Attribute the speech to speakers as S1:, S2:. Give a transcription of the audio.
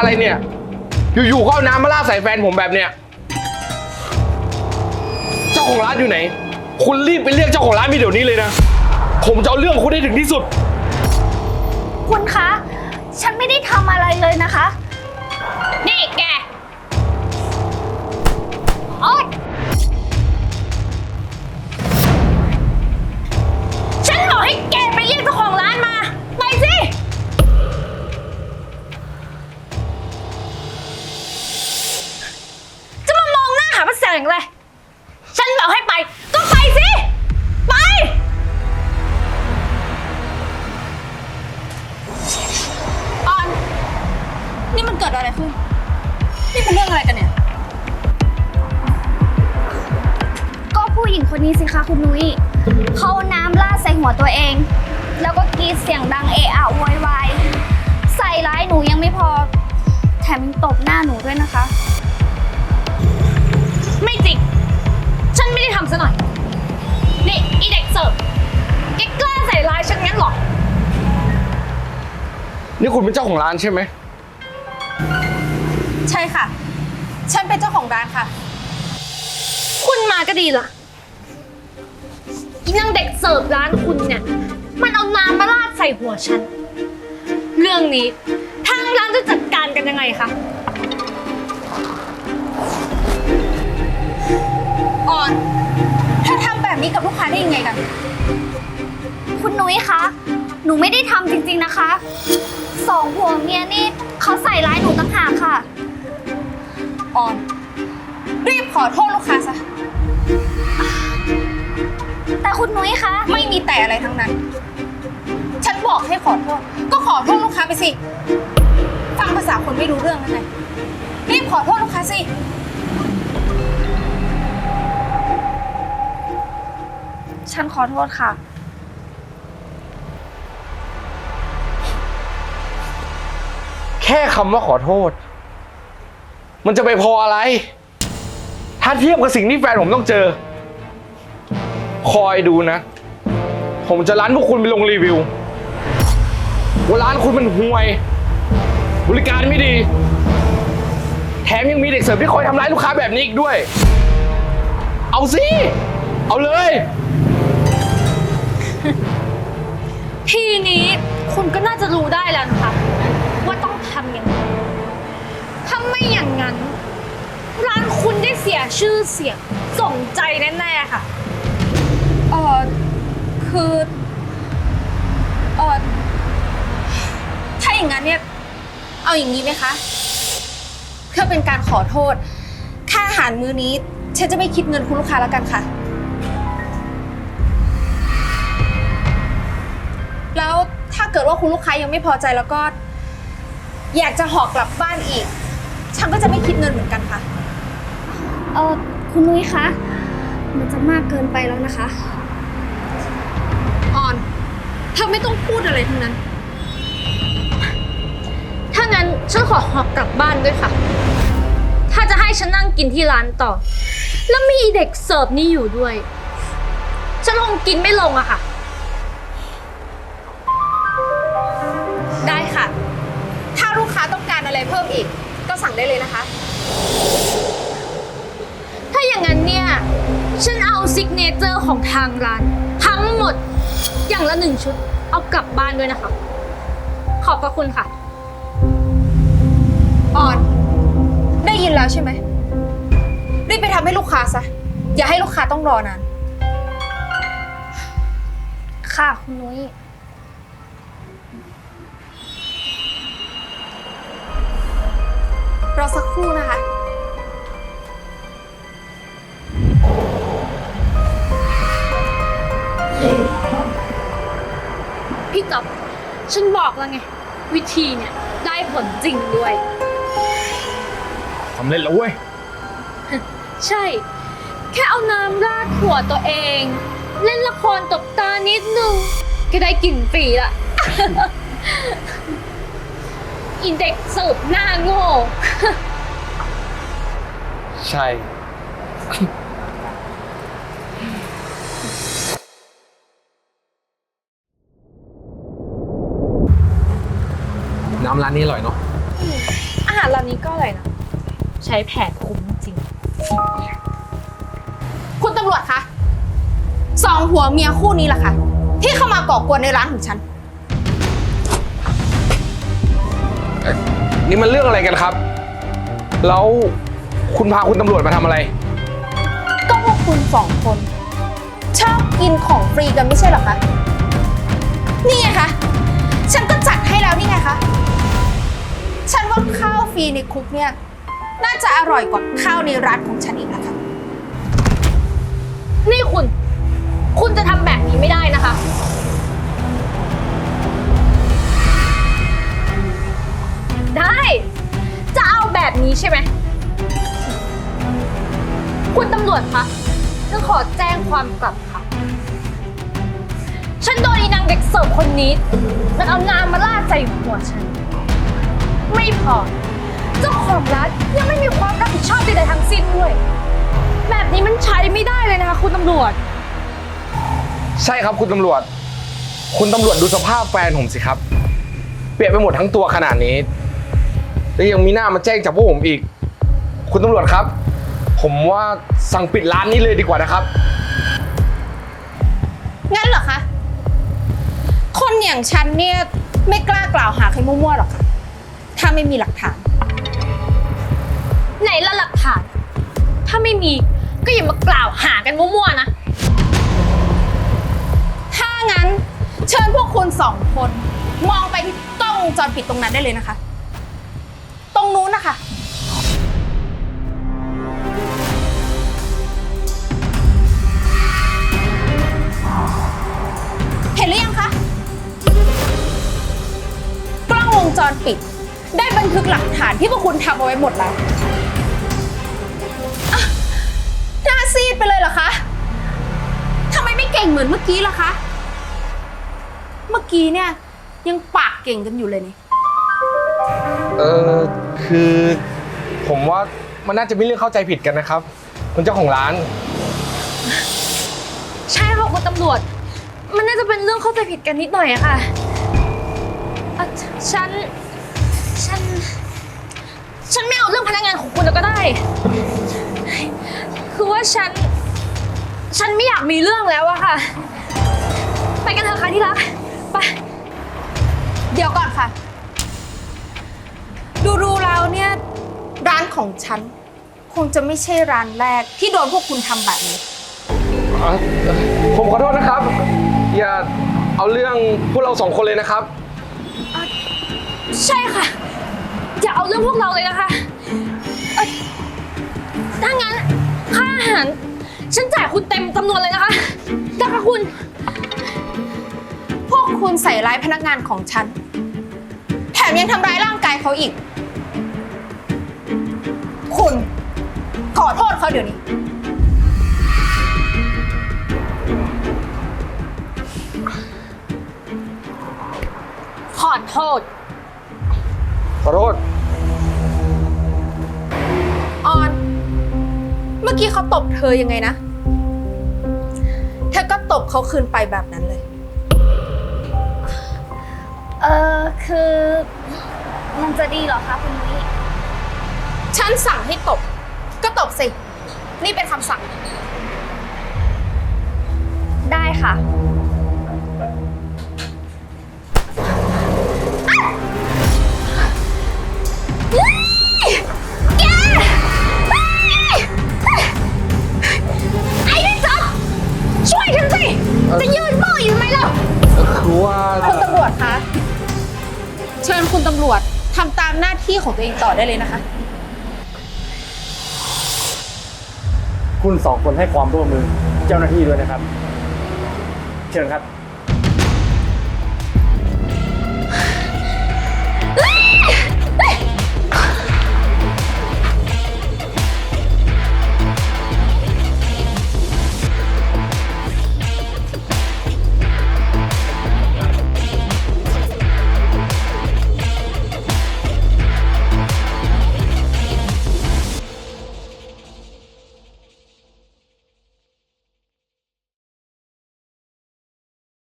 S1: อะไรเนี่ยอยู่ๆก็เอาน้ำมาราดใส่แฟนผมแบบเนี้ยเจ้าของร้านอยู่ไหนคุณรีบไปเรียกเจ้าของร้านมาเดี๋ยวนี้เลยนะผมจะเอาเรื่องคุณให้ถึงที่สุด
S2: คุณคะ ฉันไม่ได้ทำอะไรเลยนะคะ
S3: นี่แกโอ๊ยฉันบอกให้แกไปเรียกเจ้าของร้านมาไปสิจะมามองหน้าหาพระแสงเลยฉันบอกให้ไปก็ไปสิไปออนนี่มันเกิดอะไรขึ้นนี่เป็นเรื่องอะไรกันเนี่ย
S2: ก็ผู้หญิงคนนี้สิคะคุณนุ้ยเขาน้ำราดใส่หัวตัวเอง แล้วก็กรีดเสียงดังเอะอะโวยวายใส่ร้ายหนูยังไม่พอ แถมยังตบหน้าหนูด้วยนะคะ
S3: ไม่จริง ฉันไม่ได้ทำซะหน่อย นี่อีเด็กเสิร์ฟแกกล้าใส่ร้ายฉันงั้นเหรอ
S1: นี่คุณเป็นเจ้าของร้านใช่ไหม
S4: ใช่ค่ะ ฉันเป็นเจ้าของร้านค่ะ
S3: คุณมาก็ดีล่ะอีนางเด็กเสิร์ฟร้านคุณเนี่ย มันเอาน้ำมาราดใส่หัวฉัน เรื่องนี้ทางร้านจะจัดการกันยังไงคะ
S4: ออนเธอทำแบบนี้กับลูกค้าได้ยังไงกัน
S2: คุณนุ้ยคะ หนูไม่ได้ทำจริงๆนะคะสองผัวเมียนี่เขาใส่ร้ายหนูต่างหากค่ะ
S4: ออน รีบขอโทษลูกค้าซะ
S2: แต่คุณนุ้ยคะ
S4: ไม่มีแต่อะไรทั้งนั้น ฉันบอกให้ขอโทษ ก็ขอโทษลูกค้าไปสิ ฟังภาษาคนไม่รู้เรื่องนั่นไงรีบขอโทษลูกค้าสิ
S2: ฉันขอโทษค่ะ
S1: แค่คำว่าขอโทษ มันจะไปพออะไร ถ้าเทียบกับสิ่งที่แฟนผมต้องเจอ คอยดูนะ ผมจะร้านพวกคุณไปลงรีวิวว่าร้านคุณมันห่วย บริการไม่ดี แถมยังมีเด็กเสิร์ฟที่คอยทำร้ายลูกค้าแบบนี้อีกด้วย เอาสิ เอาเลย
S3: ทีนี้คุณก็น่าจะรู้ได้แล้วนะคะว่าต้องทำยังไงถ้าไม่อย่างนั้น ร้านคุณได้เสียชื่อเสียงส่งใจแน่ๆค่ะ
S4: เออคือเออถ้าอย่างนั้นเนี่ย เอาอย่างนี้ไหมคะ เพื่อเป็นการขอโทษ ค่าอาหารมื้อนี้ ฉันจะไม่คิดเงินคุณลูกค้าแล้วกันค่ะ แล้วถ้าเกิดว่าคุณลูกค้ายังไม่พอใจแล้วก็ อยากจะห่อกลับบ้านอีก ฉันก็จะไม่คิดเงินเหมือนกันค่ะ
S2: คุณนุ้ยคะ มันจะมากเกินไปแล้วนะคะ
S4: ออนเธอไม่ต้องพูดอะไรทั้งนั้น
S3: ถ้างั้นฉันขอหอบกลับบ้านด้วยค่ะ ถ้าจะให้ฉันนั่งกินที่ร้านต่อ แล้วมีเด็กเสิร์ฟนี่อยู่ด้วย ฉันคงกินไม่ลงอะค่ะ
S4: ได้ค่ะ ถ้าลูกค้าต้องการอะไรเพิ่มอีก ก็สั่งได้เลยนะคะ
S3: ถ้าอย่างนั้นเนี่ย ฉันเอาซิกเนเจอร์ของทางร้าน ทั้งหมดอย่างละ1 ชุด เอากลับบ้านด้วยนะคะ ขอบพระคุณค่ะ
S4: ออน ได้ยินแล้วใช่ไหม รีบไปทำให้ลูกค้าซะ อย่าให้ลูกค้าต้องรอนาน
S2: ค่ะ คุณนุ้ย
S4: รอสักครู่นะคะ
S3: พี่จ๊อบฉันบอกแล้วไง วิธีเนี่ยได้ผลจริงด้วย
S1: สำเร็จแล้วเว้ย
S3: ใช่ แค่เอาน้ำราดหัวตัวเอง เล่นละครตบตานิดนึง ก็ได้กลิ่นฟรีละ อินเด็กเสิร์ฟหน้าโง่
S1: ใช่ น้ำร้านนี้อร่อยเนาะ
S4: อาหาร
S3: นี้ก็อะไรนะ ใช้แผนคุ้มจริง
S4: คุณตำรวจคะสองผัวเมียคู่นี้ล่ะค่ะ ที่เข้ามาก่อกวนในร้านของฉัน
S1: นี่มันเรื่องอะไรกันครับ แล้วคุณพาคุณตำรวจมาทำอะไร
S4: ก็พวกคุณสองคน ชอบกินของฟรีกันไม่ใช่เหรอคะ นี่ไงคะ ฉันก็จัดให้แล้วนี่ไงคะ ฉันว่าข้าวฟรีในคุกเนี่ย น่าจะอร่อยกว่าข้าวในร้านของฉันอีกนะคะ
S3: นี่คุณจะทำแบบนี้ไม่ได้นะคะ ได้ จะเอาแบบนี้ใช่ไหม คุณตำรวจคะฉันขอแจ้งความกลับค่ะ ฉันโดนอีนางเด็กเสิร์ฟคนนี้ มันเอาน้ำมาราดใส่หัวฉัน ไม่พอ เจ้าของร้านยังไม่มีความรับผิดชอบใดๆทั้งสิ้นด้วย แบบนี้มันใช้ไม่ได้เลยนะคะคุณตำรวจ
S1: ใช่ครับคุณตำรวจ คุณตำรวจดูสภาพแฟนผมสิครับ เปียกไปหมดทั้งตัวขนาดนี้ แล้วยังมีหน้ามาแจ้งจับพวกผมอีก คุณตำรวจครับ ผมว่าสั่งปิดร้านนี้เลยดีกว่านะครับ
S4: งั้นเหรอคะ คนอย่างฉันเนี่ยไม่กล้ากล่าวหาใครมั่วๆหรอกค่ะ ถ้าไม่มีหลักฐาน
S3: ไหนละหลักฐาน ถ้าไม่มีก็อย่ามากล่าวหากันมั่วๆนะ
S4: ถ้างั้นเชิญพวกคุณสองคน มองไปที่กล้องวงจรปิดตรงนั้นได้เลยนะคะ ตรงนู้นนะคะ เห็นหรือยังคะ กล้องวงจรปิด ได้บันทึกหลักฐานที่พวกคุณทำเอาไว้หมดแล้วอ่ะหน้าซีดไปเลยเหรอคะทำไมไม่เก่งเหมือนเมื่อกี้ล่ะคะ เมื่อกี้เนี่ยยังปากเก่งกันอยู่เลยนี่
S1: คือผมว่ามันน่าจะมีเรื่องเข้าใจผิดกันนะครับ คุณเจ้าของร้าน
S3: ใช่ค่ะคุณตำรวจ มันน่าจะเป็นเรื่องเข้าใจผิดกันนิดหน่อยอะค่ะอ่ะฉันไม่เอาเรื่องพนักงานของคุณแล้วก็ได้ คือว่าฉันไม่อยากมีเรื่องแล้วอะค่ะ ไปกันเถอะค่ะที่รัก ไป
S4: เดี๋ยวก่อนค่ะ ดูแล้วเนี่ยร้านของฉัน คงจะไม่ใช่ร้านแรกที่โดนพวกคุณทำแบบนี้
S1: ผมขอโทษนะครับ อย่าเอาเรื่องพวกเราสองคนเลยนะครับ
S3: ใช่ค่ะ อย่าเอาเรื่องพวกเราเลยนะคะถ้างั้นค่าอาหารฉันจ่ายคุณเต็มจำนวนเลยนะคะนะคะคุณ
S4: พวกคุณใส่ร้ายพนักงานของฉัน แถมยังทำร้ายร่างกายเขาอีก คุณขอโทษเขาเดี๋ยวนี้
S3: ขอโทษ
S1: ขอโทษ
S4: ออน เมื่อกี้เขาตบเธอยังไงนะ เธอก็ตบเขาคืนไปแบบนั้นเลย
S2: คือมันจะดีเหรอคะคุณนุ้ย
S4: ฉันสั่งให้ตบ ก็ตบสิ นี่เป็นคำสั่ง
S2: ได้ค่ะ
S3: แกไอ้นี่จ๊อบช่วยฉันสิ จะยืนมืออยู่ไหมล่ะ
S1: คือว่า
S4: คุณตำรวจคะ เชิญคุณตำรวจทำตามหน้าที่ของตัวเองต่อได้เลยนะคะ
S5: คุณสองคนให้ความร่วมมือเจ้าหน้าที่ด้วยนะครับ เชิญครับ